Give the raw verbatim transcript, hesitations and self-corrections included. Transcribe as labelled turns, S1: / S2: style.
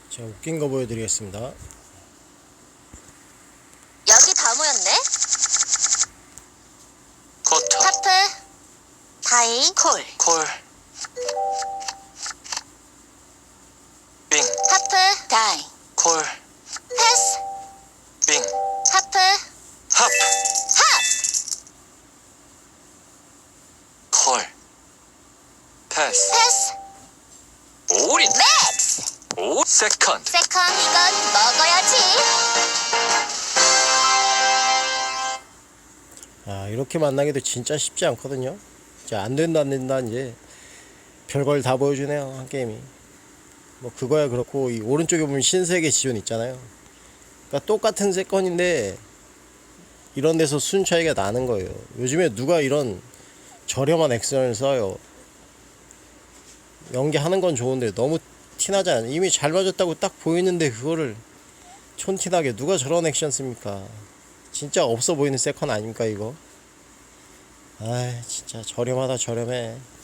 S1: 제가 웃긴 거 보여드리겠습니다.
S2: 여기 다 모였네.
S3: 커터,
S2: 하프, 다이, 콜,
S3: 콜, 빙,
S2: 하프, 다이,
S3: 콜,
S2: 패스,
S3: 빙,
S2: 하프,
S3: 합,
S2: 합,
S3: 콜, 패스,
S2: 패스,
S3: 올인,
S2: 맥스,
S3: 오, 세컨드,
S2: 세컨 이건 먹어야지.
S1: 아, 이렇게 만나기도 진짜 쉽지 않거든요. 이제 안 된다 안 된다 이제 별걸 다 보여주네요, 한 게임이. 뭐 그거야 그렇고, 이 오른쪽에 보면 신세계 지존 있잖아요. 그러니까 똑같은 세컨인데 이런 데서 순 차이가 나는 거예요. 요즘에 누가 이런 저렴한 액션을 써요. 연기하는 건 좋은데 너무 티나잖아요. 이미 잘 맞았다고 딱 보이는데 그거를 촌티나게 누가 저런 액션 씁니까? 진짜 없어 보이는 세컨 아닙니까 이거? 아, 진짜 저렴하다 저렴해.